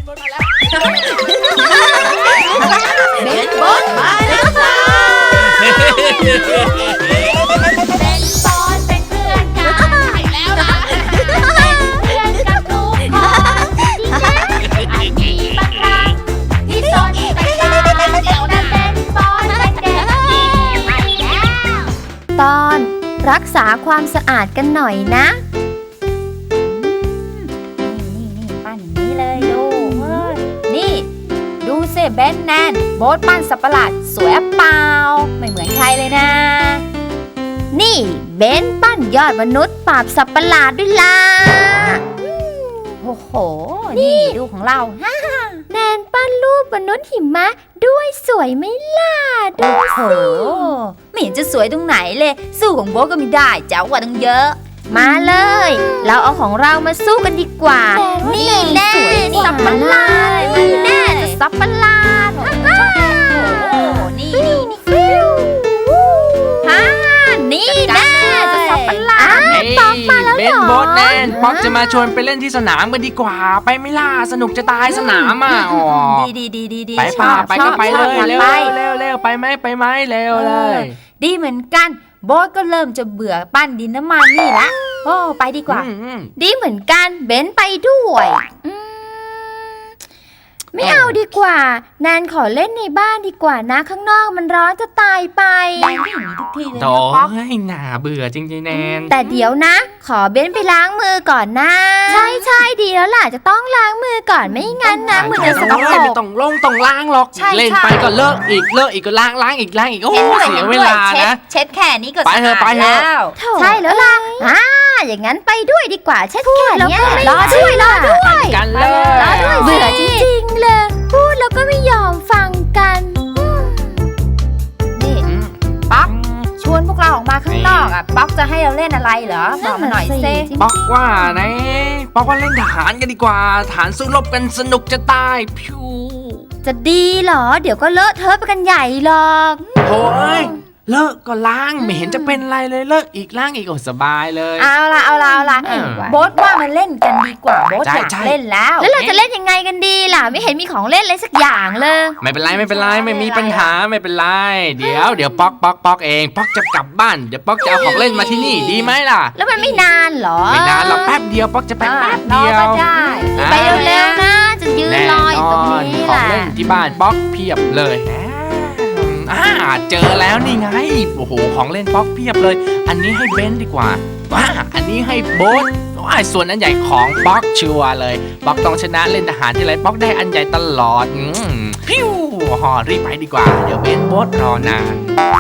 เบนบอสมาแล้วค่ะเป็นบอสเป็นเพื่อนกันใช่แล้วนะเป็นเพื่อนกับทุกคนที่มีบางครั้งที่สนแต่ตาเดี๋ยวนั้นเป็นบอสเป็นเด็กดีไปแล้วตอนรักษาความสะอาดกันหน่อยนะนี่ปั้นอย่างนี้เลยดูนี่ดูสิเบนแนนโบ๊ทปั้นสัตว์ประหลาดสวยเปล่าไม่เหมือนใครเลยนะนี่เบนปั้นยอดมนุษย์ปราบสัตว์ประหลาดด้วยล่ะโอ้โหนี่ดูของเราแนนปั้นรูปมนุษย์หิมะด้วยสวยไหมล่ะดูสิไม่เห็นจะสวยตรงไหนเลยสู้ของโบ๊ทก็ไม่ได้เจ๋งกว่าตั้งเยอะมาเลยเราเอาของเรามาสู้กันดีกว่านี่แน่สัตว์ประหลาดนี่แน่สัตว์ประหลาดนี่นี่แน่สัตว์ประหลาดป๊อกมาแล้วเหรอเบนโบ๊ทแนนป๊อกจะมาชวนไปเล่นที่สนามกันดีกว่าไปไม่ล่าสนุกจะตายสนามอ่ะดีไปป่ะไปก็ไปเลยเร็วไปไหมเร็วเลยดีเหมือนกันโบ๊ทก็เริ่มจะเบื่อปั้นดินน้ำมันนี่ละโอ้ไปดีกว่าดีเหมือนกันเบนไปด้วยไม่เอาดีกว่าแนนขอเล่นในบ้านดีกว่านะข้างนอกมันร้อนจะตายไปแนนก็อย่างนี้ทุกทีเลยนะป๊อกให้หน่าเบื่อจริงๆแนนแต่เดี๋ยวนะขอเบนไปล้างมือก่อนนะใช่ดีแล้วล่ะจะต้องล้างมือก่อนไม่งั้นนะมือจะสกปรกไม่ต้องล้างหรอกเล่นไปก็เลิกอีกก็ล้างอีกโอ้เสียเวลานะเช็ดแค่นี้ก็ไปเถอะแล้วใช่แล้วล่ะอย่างนั้นไปด้วยดีกว่าเช็ดแค่นี้รอด้วยกันเลยเบื่อจริงๆเลยพูดแล้วก็ไม่ยอมฟังกันนี่ป๊อกชวนพวกเราออกมาข้างนอกอ่ะป๊อกจะให้เราเล่นอะไรเหรอบอกมาหน่อยสิป๊อกว่าเล่นทหารกันดีกว่าทหารสู้รบกันสนุกจะตายพิวจะดีเหรอเดี๋ยวก็เลอะเทอะไปกันใหญ่หรอกโอ้ยเลิกก็ล้างไม่เห็นจะเป็นไรเลยเลิกอีกล้างอีกโอ้สบายเลยเอาละโบ๊ทว่ามาเล่นกันดีกว่าโบ๊ทอยากเล่นแล้วเราจะเล่นยังไงกันดีล่ะไม่เห็นมีของเล่นอะไรสักอย่างเลยไม่เป็นไรไม่มีปัญหาไม่เป็นไรเดี๋ยวป๊อกเองป๊อกจะกลับบ้านเดี๋ยวป๊อกจะเอาของเล่นมาที่นี่ดีไหมล่ะแล้วมันไม่นานหรอไม่นานหรอกแป๊บเดียวป๊อกจะไปแป๊บเดียวไปเร็วๆนะจะยืนรออยู่ตรงนี้ของเล่นที่บ้านป๊อกเพียบเลยเจอแล้วนี่ไงโอ้โหของเล่นป๊อกเพียบเลยอันนี้ให้เบนดีกว่าอันนี้ให้โบ๊ทส่วนอันใหญ่ของป๊อกชัวร์เลยป๊อกต้องชนะเล่นทหารที่ไรป๊อกได้อันใหญ่ตลอดพิ้วรีบไปดีกว่าเดี๋ยวเบนโบ๊ทรอนาน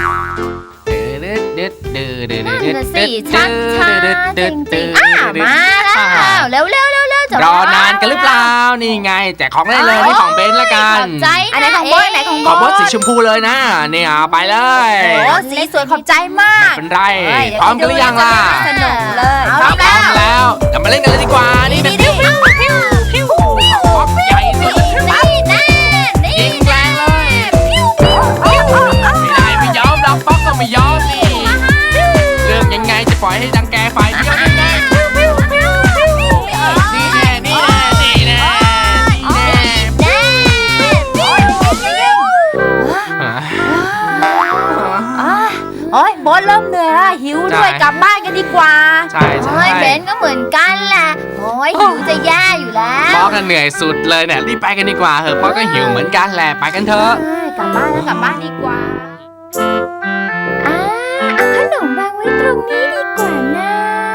ช้าจริงๆมาแล้วเร็วรอนานกันหรือเปล่านี่ไงแจกของได้เลยนี่ของเบนละกันอันไหนของโบ๊ทของโบ๊ทสีชมพูเลยนะนี่ไปเลยโอ้สีสวยขอบใจมากไม่เป็นไรพร้อมกันหรือยังล่ะสนุกเลยพร้อมแล้วเดี๋ยวมาเล่นกันเลยดีกว่านี่แบบนี้ป๊อกใหญ่สุดยิงแรงเลยไม่ยอมเราป๊อกก็ไม่ยอมนี่เรื่องยังไงจะปล่อยให้ดังแกฝ่ายเดียวยังไงโอ้ยโบ๊ทเริ่มเหนื่อยแล้วหิวด้วยกลับบ้านกันดีกว่าใช่เบนก็เหมือนกันแหละโอ้ยหิวจะแย่อยู่แล้วป๊อกก็เหนื่อยสุดเลยเนี่ยรีบไปกันดีกว่าป๊อกก็หิวเหมือนกันแหละไปกันเถอะกลับบ้านดีกว่าเอาขนมวางไว้ตรงนี้ดีกว่านะ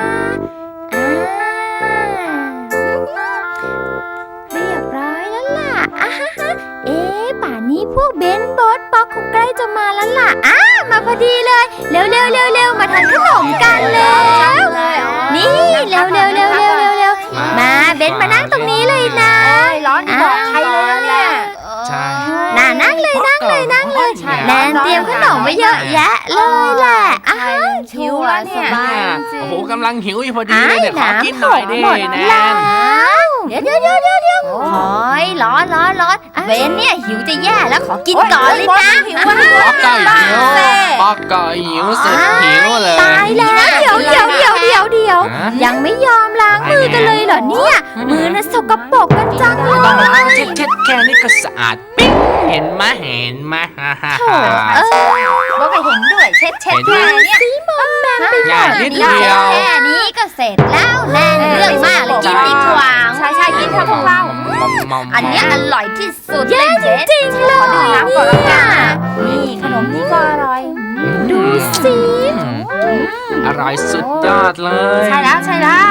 เรียบร้อยแล้วล่ะป่านนี้พวกเบนโบ๊ทป๊อกคงใกล้จะมาแล้วล่ะมาพอดีเลยเร็วมาทานขนมกันแล้วนี่เร็วมาเบนมานั่งตรงนี้เลยนะร้อนบอกใครเลยเนี่ยใช่นั่งเลยแนนเตรียมขนมไว้เยอะแยะเลยแหละหิวแล้วเนี่ยโอ้โหกำลังหิวอยู่พอดีเลยเนี่ยขอกินหน่อยดิแนนเดี๋ยวโอ้ยร้อนเบนเนี่ยหิวจะแย่แล้วขอกินก่อนเลยนะป๊อกก็หิวสุดหิวเลยตายแล้วเดี๋ยวยังไม่ยอมล้างมือกันเลยเหรอเนี่ยมือน่ะสกปรกกันจังเลยเช็ดแค่นี้ก็สะอาดปิ๊งเห็นไหมฮ่าฮ่าโถ่ บอกให้เห็นด้วยเช็ดแค่เนี้ยง่ายนิดเดียวแค่นี้ก็เสร็จแล้วแน่เรื่องมากเลยกินดีกว่าใช่กินเถอะพวกเราอันเนี้ยอร่อยที่สุดเลยเบสขอดื่มน้ำก่อนละกันนะนี่ขนมนี่ก็อร่อยดูสิ อร่อยสุดยอดเลยใช่แล้ว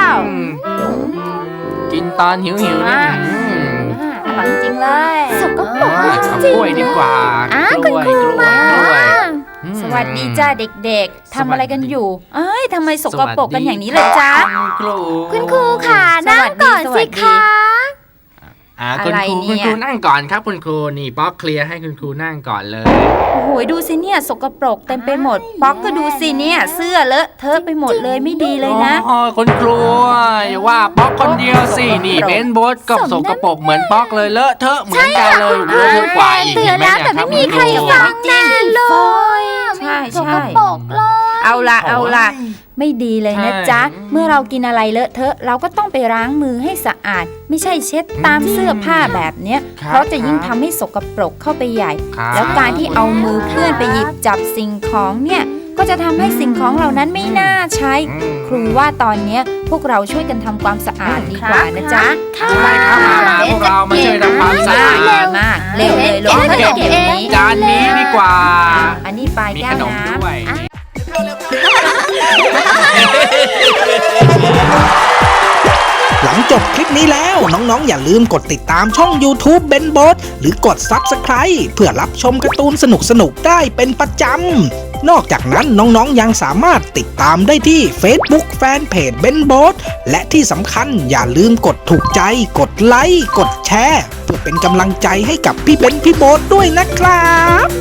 กินตอนหิวนี่อร่อยจริงเลยสกปรกเอากล้วยดีกว่ากล้วยสวัสดีจ้าเด็กๆทำอะไรกันอยู่เอ้ยทำไมสกปรกกันอย่างนี้เลยจ๊ะคุณครูค่ะนั่งก่อนสิคะคุณครูนั่งก่อนครับคุณครูนี่ป๊อกเคลียร์ให้คุณครูนั่งก่อนเลยโอ้โหดูสิเนี่ยสกปรกเต็มไปหมดป๊อกก็ดูสิเนี่ยเสื้อเลอะเทอะไปหมดเลยไม่ดีเลยนะโอ้คุณครูอย่าว่าป๊อกคนเดียวสินี่เบนโบสก็สกปรกเหมือนป๊อกเลยเลอะเทอะเหมือนกันเลยเลอะเทอะกว่าอีกเตือนแล้วแต่ไม่มีใครฟังแน่เลยใช่สกปรกเลยเอาล่ะไม่ดีเลยนะจ๊ะเมื่อเรากินอะไรเลอะเทอะเราก็ต้องไปล้างมือให้สะอาด ไม่ใช่เช็ดตามเสื้อผ้าแบบเนี้ยเพราะจะยิ่งทำให้สกปรกเข้าไปใหญ่ แล้วการที่เอามือเคลื่อนไปหยิบจับสิ่งของเนี่ยก็จะทำให้สิ่งของเหล่านั้นไม่น่าใช้ ครูว่าตอนเนี้ยพวกเราช่วยกันทำความสะอาดดีกว่านะจ๊ะใช่ครับพวกเรามาช่วยทำความสะอาดมากเร็วเลยลงขนมเดี๋ยวนี้จานนี้ดีกว่าอันนี้ปลายมีแก้ขวนมน้ด้วยหลังจบคลิปนี้แล้วน้องๆอย่าลืมกดติดตามช่อง YouTube Ben b o s หรือกด Subscribe เพื่อรับชมการ์ตูนสนุกๆได้เป็นประจำ นอกจากนั้นน้องๆยังสามารถติดตามได้ที่ Facebook Fanpage Ben b o s และที่สำคัญอย่าลืมกดถูกใจ กดไลค์ กดแชร์ เพื่อเป็นกำลังใจให้กับพี่เบนพี่โบ๊ทด้วยนะครับ